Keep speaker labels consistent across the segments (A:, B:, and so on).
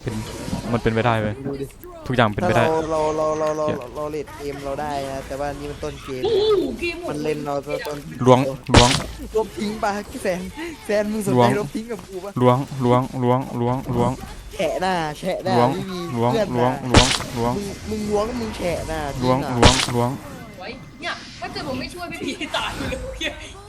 A: เป็นมันเป็นไปได้เว้ย
B: ดูดิ
A: ทุกอย่างเป็น
B: ถ้า
A: ไปได้
B: เราเลดเกมเราได้นะแต่ว่านี่มันต้นเกม
C: โอ้โหเกมหม
B: มั
C: ด
B: นเล่นเราต้น
A: ล้วง
B: ลบทิ้งปะแฟนมึงสน
A: ล้ว
B: ใจ
A: ง
B: ลบทิ้งกับกูปะ
A: ล้วง
B: แฉะหน้า
A: ล้วง
B: ไม่มี
A: ล้วง
B: เพื่อน
A: ล้วง
B: นะ
A: ล้วง
B: มึงล้วงมึงแฉะหน้า
A: ล้วง
B: จริง
A: ล้ว
B: อะ
A: งล้วง
C: ไว้เนี่ยถ้าเกิดผมไม่ช่วยพี่พีตายเลยพี่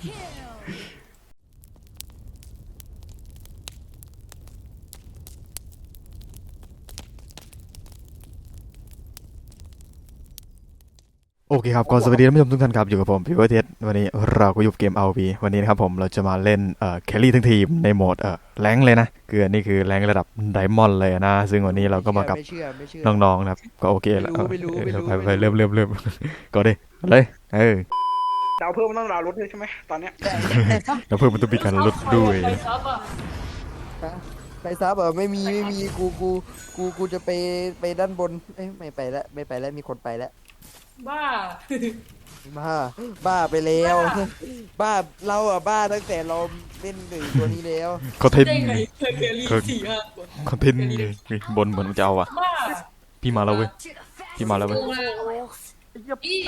A: โอเคครับก็สวัสดีท่านผู้ชมทุกท่านครับอยู่กับผมพี่เวอร์เทสวันนี้เราก็อยู่เกม RV วันนี้นะครับผมเราจะมาเล่นแครี่ทั้งทีมในโหมดแรงเลยนะคืออันนี้คือแรงระดับไดมอนด์เลยนะซึ่งวันนี้เราก็มากับ
B: ไม่เชื่อ
A: น้องๆนะครับก็โอเคแล้ว
B: ไม่รู้
A: ไปเริ่มก็ได้เลย
D: ดาวเพิ่มมันต้องดาวลดด้วยใช่ไหมตอนเนี้ย
A: แล้วเพิ่มมันต้องมีการลดด้วย
C: ไปซับอ่ะ
B: ไปซับเหรอไม่มีกูจะไปด้านบนเอ้ยไม่ไปแล้วมีคนไปแล้ว
C: บ้า
B: บ้าไปแล้วบ้าเราอะบ้าตั้งแต่เราเล่นหนึ่งตัวนี้แล้ว
A: คอนเทนต์
C: ได้ไงเคยรี4-5คน
A: คอนเทนต์บนเหมือนมันจะเอาอ่ะ
C: บ้า
A: พี่มาแล้วเว้ยพี่มาแล้วเว้ย
C: โอ้ยพี่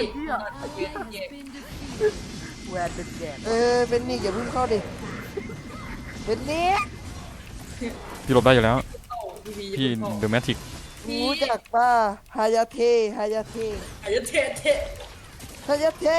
D: แวนเป็นแกน
B: เป็นนี่อย่าเพิ่งเข้าดิเป็นนี่
A: พี่หลบได้อยู่แล้ว
C: พี่
A: พี่เดอะแมทริก
B: รู้จักป้าฮายาเท
C: ไอ้เทเท
B: ฮายาเท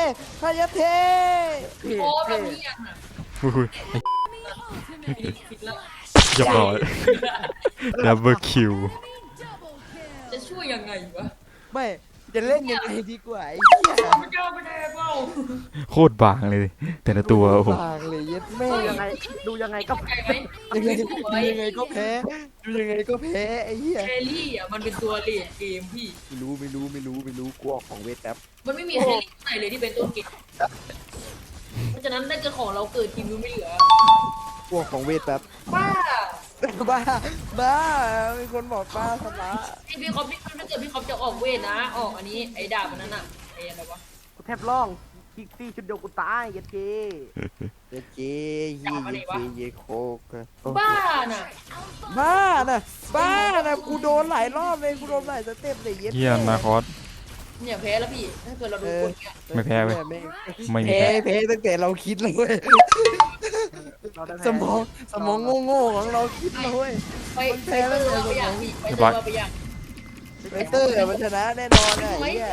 C: โอ้แบบนี้อ่ะ
A: อุ้ย
C: ผิดแล้ว
A: เรียบร้อยดับเบิลคิว
C: จะช่วยยังไงวะ
B: ไม่จะเล่นยังไงดีกว่าไอ้
C: ไม่กล้าไม่ได้เปล่า
A: โคตรบางเลยแต่ละตัวโอ้โห
B: บางเลยเย็ดแม่
D: ดูยังไงก็
C: ใจไหม
B: ยังไงก็แพ้ไอ้เหี้ย
C: แครี่อ่ะมันเป็นตัวเลดเกมพี่
B: ไม่รู้กูออกของเวทแป๊บ
C: มันไม่มีแครี่ไหนเลยที่เป็นต้นเกมเพราะฉะนั้นถ้าเกิดของเราเกิดทีมนู้นไม่เหลือ
B: กูออกของเวทแป๊บ
C: บ้า
B: บ้ามีคนบอกบ้าสละ
C: ไอพี่คอปนี่ถ้าเกิดพี่คอปจะออกเวทนะ ออกอันนี้ไอ้ดาบมันนั้นอ่ะไอ้อะไรวะ
D: กูแทบร้องคิกซี่ชุดเดียวกูตายเย็ดเก
B: เจ๊เยโคก
C: บ้าน่ะ
B: บ้านะกูโดนหลายรอบเลยกูโดนหลายสเต็ปเลยเย็ด
A: เยี่ยมนาคอส
C: เนี่ยแพ้แล้วพี่ถ้าเกิดเราดูคนเนี่ย
A: ไม่แพ้เว้ยไม่มี
B: แพ้
A: แพ้
B: ตั้งแต่เราคิดเลยเว้ย
D: เราได้
B: สมองโง่ของเราคิดเลยเว้ย
C: ไปเตอร์เราไปอย่างพี่ไปเตอร์เราไปอย่าง
B: เวเตอร์มันชนะแน่นอนนะไอ้เนี่ย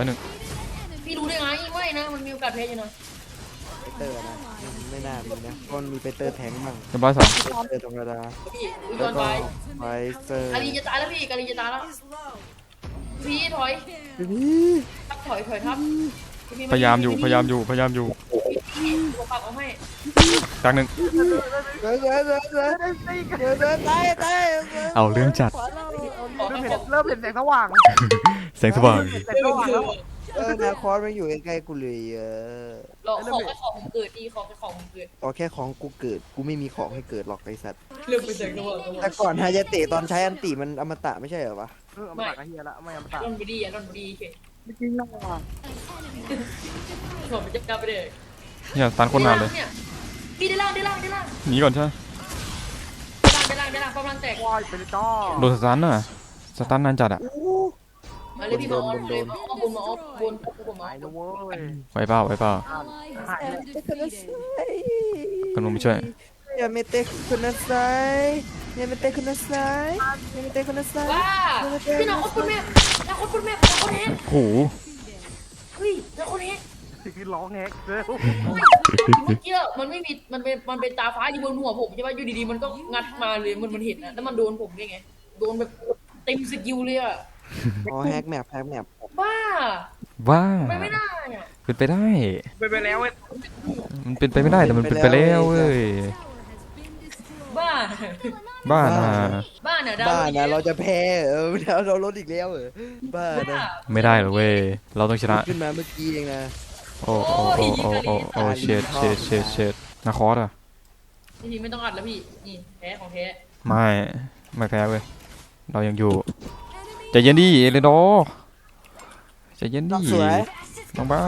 A: 101
C: พี่รู้ได้ไงไม่นะมันมีโอกาสแพ้อยู่นะ
B: เวเตอร์นะไม่น่ามีนะเพราะมันมีเวเตอร์แทงมั่ง
A: เรียบร้อย2
B: เวเตอร์ธรรมดา
C: พี่ย้
B: แล้
C: อ
B: วน ก็
C: ไป
B: ไวเตอร์
C: กาลีจะตายแล้วพี่กาลีจะตายแล้วพี่ถอย
B: พี่
C: ทับถอยทับ
A: พยายามอยู่
C: พี่ปากเอาให้
A: กลางหนึ่ง
B: เดินตาย
A: เอาเรื่องจัด
D: เริ่มเห็นแสงสว่าง
A: แสงสว่าง
D: แสงสว่างแล้ว
B: นาคอสมันอยู่ใกล้ๆกูเลย
C: รอของแค่ของผมเกิดดีของแค่ของผมเกิด
B: ต่อแค่ของกูเกิดกูไม่มีของให้เกิดหรอกไอ้สัตว์
C: เรื่องไปแสงสว่าง
B: แต่ก่อนฮายาเตะตอนใช้อันติมันอมตะไม่ใช่เหรอวะ
D: เอามาตักไอ้เฮียละไม่เอามาตัก
C: รอนบดีอ่ะรอนบดีเฉย
D: ไม่จริงหรอก
C: ผมจะกลับไปเลย
A: เนี่ยตันคนนานเลย
C: พี่ได้ล่าง
A: หนีก่อนใช่ไหม
C: ได้ล่างกำลังแตก
D: วายเป็นจ้อ
A: โดนสตันน่ะสตันนานจัดอ่ะ
C: มาเลยพี่มาออฟเลยมาออฟบนมาออฟบนผมมา
D: หายนะเว้ย
A: ไว้เปล่า
D: หายเลย
A: กำลังไปช่วย
B: อย่าเมเตะคุณนะไซอย่าเมเตะคุณนะไซอย่าเมเตะคุณนะไซ
C: ว้าพี่น้องคนแม่น้องคนแม่คนแฮก
A: โอ้โห
C: เฮ้ยน้องคนแฮก
D: คือร้องแฮกเลย
C: เมื่อกี้มันไม่มีมันเป็นตาฟ้าอยู่บนหัวผมใช่ไหมอยู่ดีๆมันก็งัดมาเลยมันเห็นนะแล้วมันโดนผมได้ไงโดนแบบเต็มสกิลเลยอ่ะ
B: อ๋อแฮกแมป
C: บ้า
A: ว้า
C: ไม่ได้อ่ะ
A: เป็นไปได้
D: ไปแล้วเว้ย
A: มันเป็นไปไม่ได้แต่มันเป็นไปแล้วเว้ย
C: บ้า
A: บ้านะ
C: บ้าเนี่ยดาว
B: บ้านะเราจะแพ้เราลดอีกแล้วบ้านะ
A: ไม่ได้หรอกเว้ยเราต้องชนะ
B: ขึ้นมาเมื่อกี้เองนะ
A: โอ้เชดนาคอสอ่ะ
C: ทีไม่ต้องอัดแล้วพี่นี่แพ้ของแท้
A: ไม่แพ้เว้ยเรายังอยู่ใจเย็นดิเอเลโดใจเย็นดิ
B: สวย
A: น้องเบ้า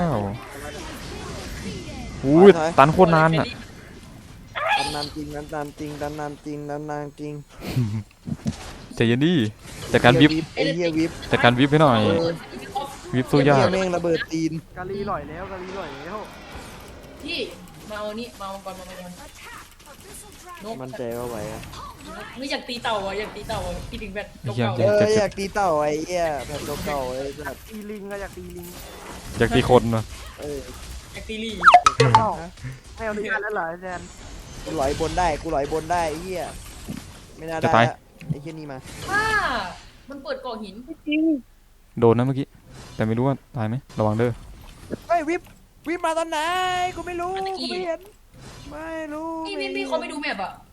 A: อุ้ยตันโคตรนานอ่ะ
B: นานจริง
A: ใจเย็นดิจัดการวิบ
B: ไอ้เหี้ยวิบ
A: จัดการวิบให้หน่อยวิบสู้ยาก
B: แม่งระเบิดตีน
D: กะลีหล่อยแล้วกะลีหล่อยแล้ว
C: พี่มาเอานี่มาเอาก่อนมาก่อนนก
B: มันใจว่าไหวอะ
C: ไม่อยากตีเต่าอ่ะอยากตีเต่าอ่ะพี่ถึงแบบเก่า
B: อยากตีเต่าไอ้เหี้ยแบบเก่าๆไอ้สัตว์
D: ตีลิงอะอยากตีลิง
A: อยากตีคนนะ
C: อยากตีลี่
D: อ้าวไม่เอาดีกันแล้วเหรอแซน
B: กูหลอยบนได้กูหลอยบนได้ไอ้เหี้ยไม่น่าได้ละไอ้เหี้ยนี่มา
C: ว้ามันเปิดกล่องหิน
A: โดนนะเมื่อกี้แต่ไม่รู้ว่าตายไหมระวังเด้อ
B: เฮ้ยวิบมาตอนไหนกูไม่รู้กูไม่เห็นไม่รู้
C: พี่เขาไม่ดูแมพอ่ะ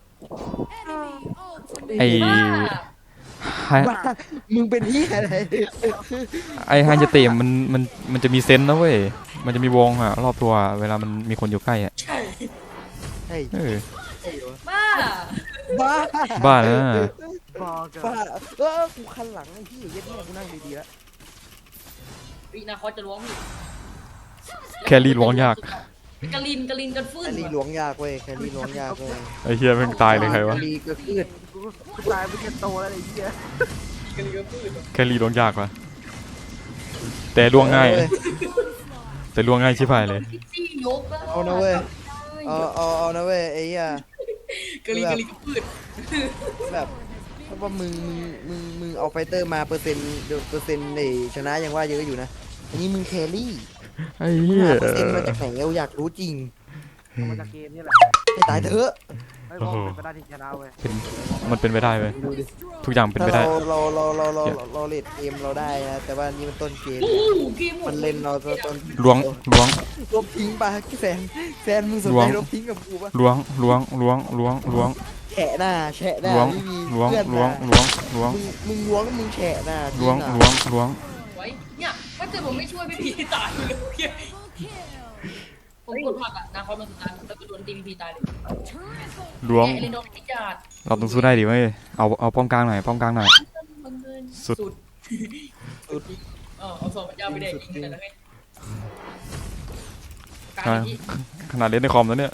A: ไอ้
C: ว้า
A: ไฮ
B: บ้ามึงเป็นเหี้ยอะไร
A: ไอ้ไฮยาเตะมันจะมีเซนส์นะเว้ยมันจะมีวงอะรอบตัวเวลามันมีคนอยู่ใกล้อะ
C: ใช่
B: เฮ้ย
A: เออ
C: บ้า
B: บ้า
A: บ้านะ
D: บอกกัน
B: บ้ากูคันหลังไอ้เหี้ยเย็ดแม่กูนั่งดีๆแล้ว
C: ปีนาคอจะล้วงพี่
A: แครี่ล้วงยาก
C: กะลินกันฟื้
B: แคน รี่ล้วงยากเว้ยแครี่ล้วงยากเว้ย
A: ไอ้เฮียแม่งตายเลยใครวะ
B: แครี่ก็คืด
D: กูตายไปจะโตแล้วไอ้เหี้ย
C: กะลินกันฟื้น
A: แครี่ล้วงยากวะแต่ล้วงง่ายแต่ล้วงง่ายชิบหายเลย
C: ซี่ยก
B: เอานะเว้ยเอานะเว้ยไอ้เหี้ย
C: กะลินกันฟื้น
B: แบบเพราะว่ามึงเอาไฟเตอร์มาเปอร์เซ็นต์ในชนะยังว่าเยอะอยู่นะอันนี้มึงแครี่
A: ไอ้เหี้ย
B: หาเปอร์เซ็นต์มาจากไหนเราอยากรู้จริง
D: เอามาจากเกมนี่แหละ
B: ให้ตายเถอะ
D: ไม่บอกเป็นไปได้ที่ชนะเว้ย
A: มันเป็นไปได้เว้ย
B: ดูดิ
A: ทุกอย่างเป็น
B: ถ้า
A: ไปได้
B: เราเลดเกมเราได้นะแต่ว่านี่มันต้นเกม
C: โอ้เกมหม
B: มั
C: ด
B: นเล่นเราต้น
A: ล้วง
B: ลบทิ้งปะแฟนมึงสน
A: ล้ว
B: ใจ
A: ง
B: ลบทิ้งกับกูปะ
A: ล้วง
B: แฉะหน้าไม่มี
A: ล้วง
B: เพื่อน
A: ล้วง
B: นะ
A: ล้วง
B: มึงล้วงมึงแฉะหน้า
A: ล้วง
B: จริงอะ
A: ล้วง
C: ไว้เนี่ยถ้าเกิดผมไม่ช่วยพี่พีตายเลยผมกดผักอ่ะนาคอมันสุดท้ายแล้วก็โดนตีพีตายเลย
A: ล้วง
C: เอเลนโดนพิจาร
A: เราต้องสู้ได้ดิเว้ยเอาป้อมกลางหน่อยป้อมกลางหน่อย สุด
C: เอาสองพระเจ้าไปแดกยิงกันนะไงก
A: อ่ะขนาดเล่นในคอมแล้วเนี่ย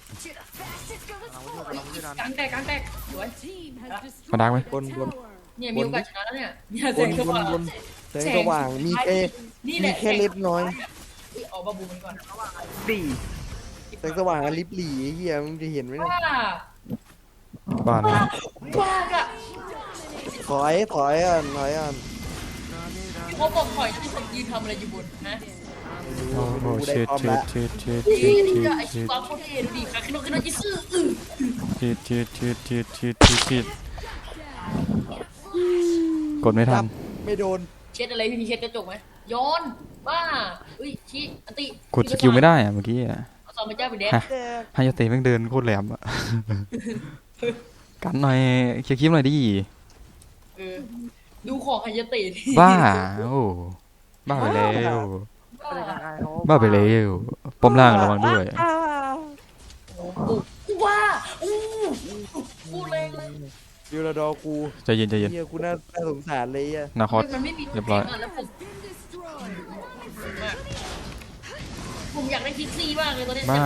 C: ลางแตกสวย
A: มาดังไหม
B: บน
C: เนี่ยมีโอกาสชนะแล้วเนี่ยเนี่ย
B: บ
C: แส
B: น
C: งสว่าง
B: แสงสว่างมีแค่
C: นี่แห
B: มี
C: ละ
B: แค่เล็บน้อย
C: ออกบาบูมันก่อน
D: ดี
B: แสงสว่างอันลิบหลี่เฮียมึงจะเห็นไหมเนี่ย
C: ว้า
A: บ้านนะ
C: ว้าอะ
B: ถอยอ่ะ
C: เขาบอกถอยที่ผมยืนทำอะไรอยู่บนนะ
A: โอ้โห
B: กูได้
A: ชิด
B: พร้อม
A: ชิ
B: ละ
A: ดชิดชิด
C: นี่
A: ชิด
C: นี่
A: ชิด
C: ก็ไอ
A: ชิ
C: ชิ
A: ด
C: วาโคตรเท่ดูดิค่ะขึ้นรถจิซื่อ
A: ชิดกดไม่ทัน
B: ไม่โดน
C: เช็ดอะไรพี่เช็ดกระจกไหมย้อนบ้าอุ้ยชี้อันติ
A: กดสกิลไม่ได้อะเมื่อกี้อะ
C: เอาสองพระเจ้าไปแดก
B: แต่
A: ไฮยาเตะแม่งเดินโคตรแหลมอะกันหน่อยเคลียร์คลิปหน่อยดิ
C: ดูของไฮยาเตะดิ
A: บ้าโอ้บ้าไปแล้ว
D: ไม่ได้ยังไงเขา
A: บ้าไปแล้วป้อมล่างระวังด้วย
C: โอ้โหว้าอู้พูดแรงเลย
B: ยูราดอกู
A: ใจเย็น
B: เฮียกูน่าสงสารเลยอ่ะ
A: นาคอส
C: มันไม่มี
A: เรียบร้อย
C: แล้วผมอยากได้คิกซี่มากเลยตอนนี้
A: บ้า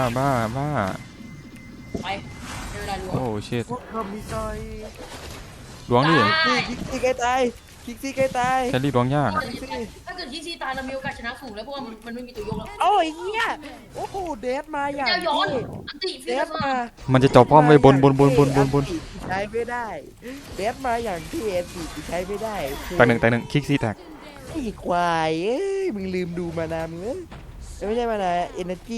C: ไปในเวลาดู
A: โอ้ชิต
D: พวกเธอมีใจ
A: ล้วงดิ
B: คิกซี่ใกล้ตายคิกซี่ใกล้ตาย
A: แครี่ล้วงยาก
C: ถ้าเกิดคิกซี่ตายเรามีโอกาสชนะสูงแล้วเพราะว่ามันไม่มีตัวยกแล้ว
B: โอ้ยเฮียโอ้โหเดดมาอย่าง
C: เจ้าย้อน
B: นี้
C: อันติ
B: เด
C: ฟิ
B: ดมา
A: มันจะเจาะป้อมไว้บน
B: ใช้ไม่ได้เดดมาอย่างที่เอ็นซีใช้ไม่ได้
A: แตกหนึ่งคิกซี่แตก
B: ไอ้ควายเอ้ยมึงลืมดูมานามึงไม่ใช่มานาเอเนจี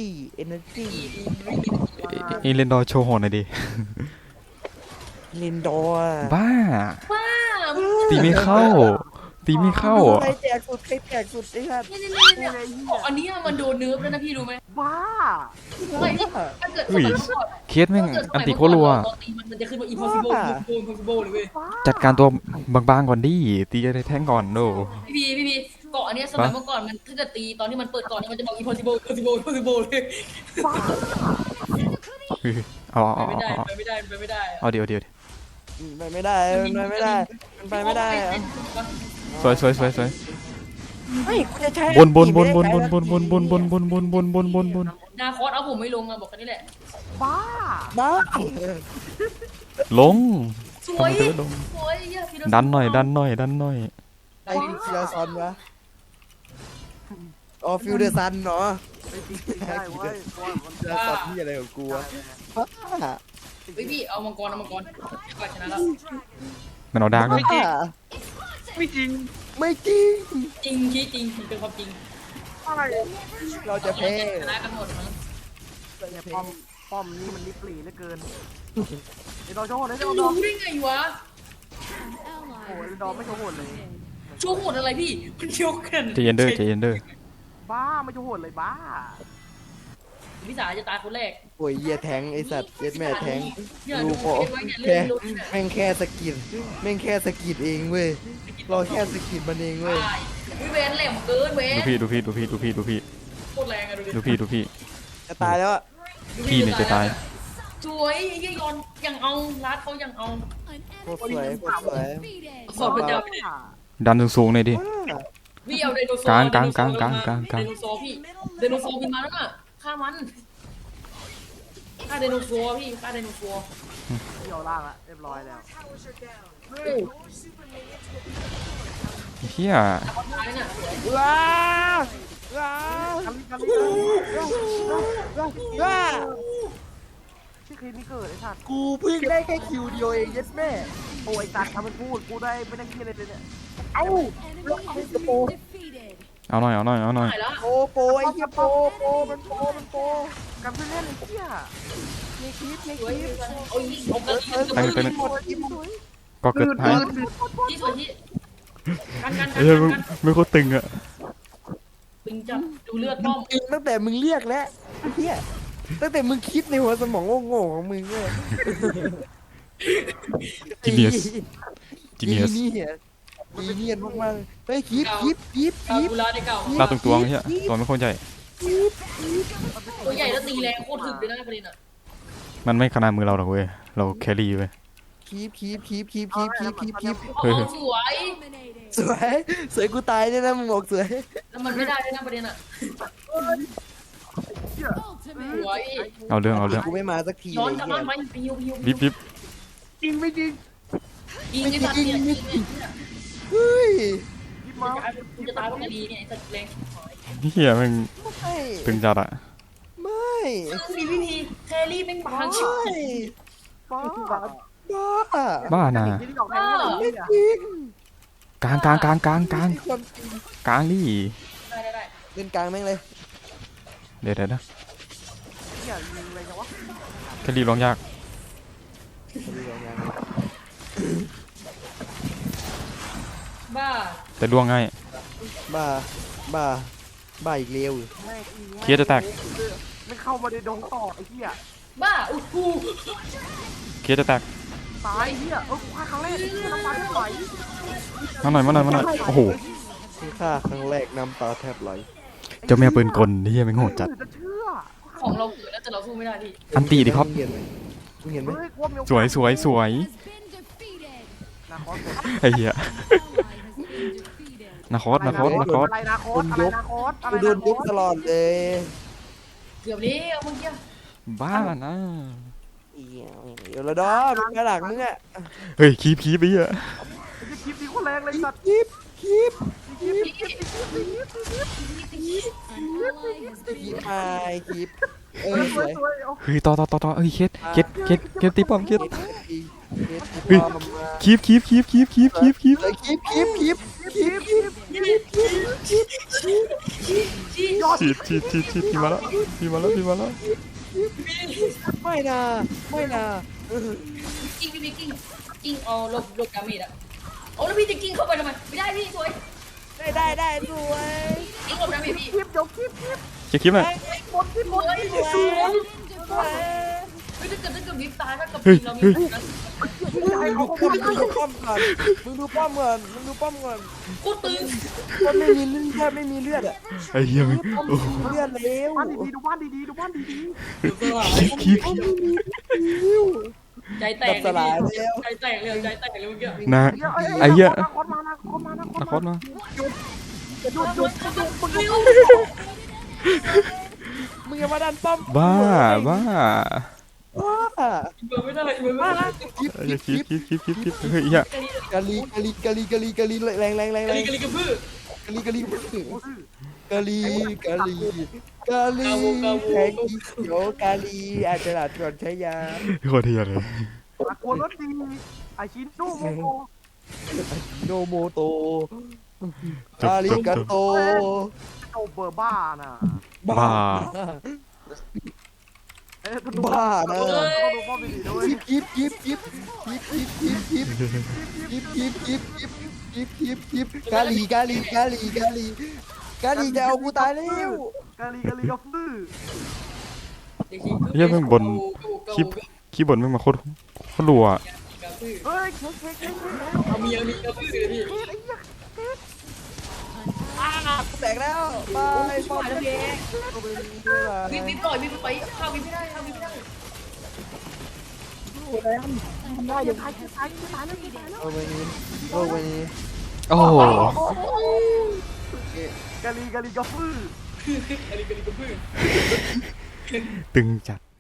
A: อีเลนดอร์โชว์โหนหน่อยดิ
B: ลินดอร์
A: บ้า
C: ว้า
A: ตีไม่เข้า
B: ใครแจกสุดไอ้ท่าน
C: เนี่ยอันนี้มันโดนเนิร์ฟแล้วนะพี่รู้ไหม
D: บ้า
C: ไม่ถ้าเกิด
A: อุ้ยเคสแม่งอันติโคตรรัว
C: มันจะขึ้นว่า impossible เลยเว้ย
A: จัดการตัวบางๆก่อนดิตีในแท่งก่อนโน
C: พี่เกาะอันนี้สมัยเมื่อก่อนมันถ้าเกิดตีตอนที่มันเปิดก่อนเนี่ยมันจะบอก impossible เลย
A: เอา
C: ไปไม่ได้
A: เอาเดี๋ยว
B: ไปไม่ได้มันไปไม่ได้
A: สวย
B: เฮ้ยกูจะใช้
A: บน
C: นาคอสเอาผมไม่ลงอะบอกกันนี่แหละ
D: บ้า
B: บ้า
A: ลง
C: สวย
A: เธอลง
C: สวยเหี้ยฟิโลโซ
A: ดันหน่อยดันหน่อยดันหน่อย
B: ไอ้ฟิลซอนวะอ๋อฟิลเดอร์ซันเนาะ
D: ไปตีได้เว้ยเพราะว่ามัน
B: ฟิลเดอร์ซันที่อะไรของกูวะบ้า
C: เฮ้ยพี่เอามังกรก่อนชนะแล้ว
A: มันเอาดาร์กนะ
B: บ้า
D: ไม่จริง
B: ไม่จริง
C: จริงชี้จริงเป็นความจริง
D: อะไร
B: เราจะแพ้
C: ชนะกันหมดมั้ง
D: เนี่ยป้อมนี่มันลิบหลีเหลือเกินไอ้ดอโชว์เลยไอ้ดอ
C: รู้ได้ไงวะ
D: โอ้ยดอไม่โชว์โหดเลย
C: โชว์โหดอะไรพี่มันยกกัน
A: ใจเย็นเด้อใจเย็นเด้อ
D: บ้าไม่โชว์โหดเลยบ้า
C: พี่สาจะตายคนแรก
B: โอ้ยเหี้ยแทงไอสัตว์เย็ดแม่แทง
C: เนี่ย
B: ดู
C: ดู
B: พอ
C: ไว้เนี่ย
B: แค่
C: เลื่อนรถเนี่ย
B: แม่งแค่สะกิดแม่งแค่สะกิดเองเว้ยเราแค่สะกิดมันเองเว้ย
C: ตายวิเวนแหลมเกินเว้น
A: ดูพี่ดูพี่ดูพี่ดูพี่ดูพี่
C: โคตรแรงอะดูดิ
A: ดูพี่ดูพี่
B: จะตายแล้วอะ
A: พี่เนี่ยจะตาย
C: สวยยี่ยอนยังเอารัดเขายังเอา
B: โคตรสวยโคตรสวย
C: ขอบพระเจ้า
A: ดันสูงๆหน่อยดิ
C: พี่เอาไดโนเสาร์
A: กลาง
C: ไดโนเสาร์
A: กลางกลาง
C: ไดโนเสาร์พี่ไดโนเสาร์บินมาแล้วน่ะฆ่ามันฆ่าไดโนเสาร์พี่ฆ่าไดโนเสาร์
D: เดี่ยวล่างละเรียบร้อยแล้ว
A: เฮีย
C: ตายน่ะ
B: ว้าว้า
D: กันลิ
B: ว้า
D: ที่คลิปนี้เกิดไอ้สัตว์
B: กูเพิ่งได้แค่คิวเดียวเองเย็ดแม่
D: โอ้ยสัตว์ทำมันพูดกูได้ไม่ได้คิดอะไรเลยเนี่ย
A: เอาหน่อยเอาหน่อยเอาหน่อย
C: ตายแล้ว
B: โปโปไอ้เหี้ยโปมันโปมันโป
D: กันเพื่อนเล่นไอ้เหี้ย
B: ในคลิปใน
C: ส
B: ค
C: วย
B: ลิป
C: โอ้ยเอากระดิ่ง
A: ไปไป
B: หมดคลิปหมด
A: ก็เกิดหาย
C: ที่สวยที่กัน
A: เฮ้ยไม่โคตรตึงอะ
C: ตึงจับดูเลือดป้อม
B: จริงตั้งแต่มึงเรียกแล้วไอ้เหี้ยตั้งแต่มึงคิดในหัวสมองโง่ๆของมึงเว้ย
A: Genius Genius
B: จีเนียนมากๆเฮ้ยคลิป
C: กาบูราได้เก่า
A: ลาตรงตัวเฮียตัวไม่โคตรใหญ่
C: ตัวใหญ่แล้วตีแรงโคตรถึกเลยนะประเด็นอ่ะ
A: มันไม่ขนาดมือเราหรอกเว้ยเราแครี่เว้ย
B: คลิป
A: เฮ้ย
C: สวย
B: สวยกูตายเนี่ยนะมึงบอกสวย
C: แล้วมันไม่ได้ด้วยนะประเด็นอ่ะสวย
A: เอาเรื่องเอาเรื่อง
B: กูไม่มาสักที
C: ย้อน
B: เลย
C: กลับ
B: เหี้
C: บ้าย นไปยิว
A: บิบบิบ
D: จริงไม่จริง
C: ยิงไอ้สัตว์เนี่ยยิง
B: เฮ้ย
D: ยิบมา
C: กูจะตายเพราะกระดีเนี่ยไอ้สัตว์แรง
A: เฮียมัน
B: ไม่
A: ตึงจัดอะ
B: ไม่
C: มีวิธีแครี่แม่งบางชิบ
B: ไม่
D: บ้า
B: บ้า
A: บ้าน่ะ
D: ที่ออกแทนไม่
B: ไม่
D: ได้
B: จริง
A: กลาง
B: ไม่ใช่ความจริง
A: กลางดิ
C: ได้
B: เล่นกลางแม่งเลย
A: เดี๋ยวนะ
D: เหี้ยยิงอะไรจังวะ
A: แครี่ร้องยาก
C: บ้า
A: แต่ล่วงง่าย
B: บ้าบ้าบ้าอีกเร็ว
D: แม่งอี
A: เคลียร์จะแตก
D: ไม่เข้ามาในดงต่อไอ้เหี้ย
C: บ้าอู้หู
A: เคลียร์จะแตก
D: ตายเหี้ยกูฆ่าครั้งแรกน้ำตาแทบไหล
A: มาหน่อยมาหน่อยมาหน่อยโอ้โห
B: คือฆ่าครั้งแรกน้ำตาแทบไหล
A: เจ้าแม่ปืนกลเฮียแม่งโหดจัด
D: จะเชื่อ
C: ของเราเกิดแล้วแต่เราสู้ไม่ได้พี่
A: อันตีดิครับ
B: มึงเห็นไหม
D: เฮ้ยกลัวมีโอกาส
A: สวยสวยสวย
D: นาคอส
A: ไอ้เหี้ยนาคอสนาคอสนาคอส
D: อะไรนาคอสอะไรนาคอสอะไร
B: กูโดนยุบตลอดเลย
C: เกือบนี้เอาเมื่อกี้
A: บ้านะ
B: เดี๋ยวละดอมึงกระดักมึงอะ
A: เฮ้ยคีบคีบไปเหี้ย
D: จะคลิปนี้คนแรงเลยสัตว์
B: คลิป
C: พี่
B: คลิปมาคลิปสวย
D: สวยเอา
A: เฮ้ยต่อเฮ้ยเคสตีป้อมเคส
B: เฮ้ย
A: คีบคีบคีบคีบคีบคีบคีบ
B: คลิปคลิปคลิปคลิปคลิปคลิปคลิปคลิปคลิป
C: ยอด
A: ฉีดพี่มาแล้วพี่มาแล้วพี่มาแล้ว
B: ไม่นะไม่นะ
C: กิ้งพี่กิ้งเอาลบดาเมจอะเอาแล้วพี่จะกิ้งเข้าไปทำไมไม่ได้พี่สวย
B: ได้สวย
C: กิ้งลบดาเมจพี่
D: คลิปเดี๋ยวคลิป
A: เช็คคลิปหน่อย
C: หมดสวยสวยไม่ถ้าเกิดวิบตายถ้ากับเรามีนะ
D: ให้เขา
B: มึงดูป้อมก่อนมึงดูป้อมก่อน
C: โคตรตึง
B: มันไม่มีเลือดแทบไม่มีเลือดอะ
A: ไอ้เหี้ยมึง
B: เลือดเร็ว
D: บ้านดีๆดูบ้านดีๆดูบ้านดี
A: คีบ
C: ใจแตกใจแตกเลยเมื่อกี้
A: นะ
D: ๆ
A: ไอ้เหี้ย
D: นาคอสมา
A: นาคอสมา
D: หยุด
B: มึงอย่ามาดันป้อม
A: บ้า
B: ว้า
C: อินเวอร์ไม่ได้อินเวอร์ไม่ได้
B: คลิป
A: เฮ้ยคลิปเฮ้ยเหี้ย
B: กะลีแรง
C: กะลีกะลีกระพือก
B: ะลีกะลี
D: โอ้ย
B: กะลีกะลีกะลีแทงเขียวกะลีอาจจะหลัดก่อนใช้ยา
A: โคตรเทียเลย
D: ตะโกนรถดีไอชินโนโมโต
B: โนโมโตอาริกาโต
D: โตเบอร์บ้าน่ะ
A: บ้า
D: เอ๊ะ
B: บ้านะ
D: ต้องดูป้อมดีๆด้วย
B: ยิบกะลีจะเอากูตายแล้ว
D: กะลีกะฟื้อ
A: เหี้ยแม่งบนคลิปบนแม่งมาโคตรรัว
C: กระพือ
D: เฮ้ยเค้ก
C: เอามีกระพือเลยพี่
B: แตกแล้วไป
C: ช่วยแล้วพี่วิบปล่อยวิบไปข้าววิบไม่ได้ข้าววิบไม่ได้
D: ได้ยังตายแล้ว
B: โอ้ไปนี้โอ้ไปนี้
A: โอ้โห
D: กะลีกะฟื้อ
C: กะลีกระพือ
A: ตึงจัด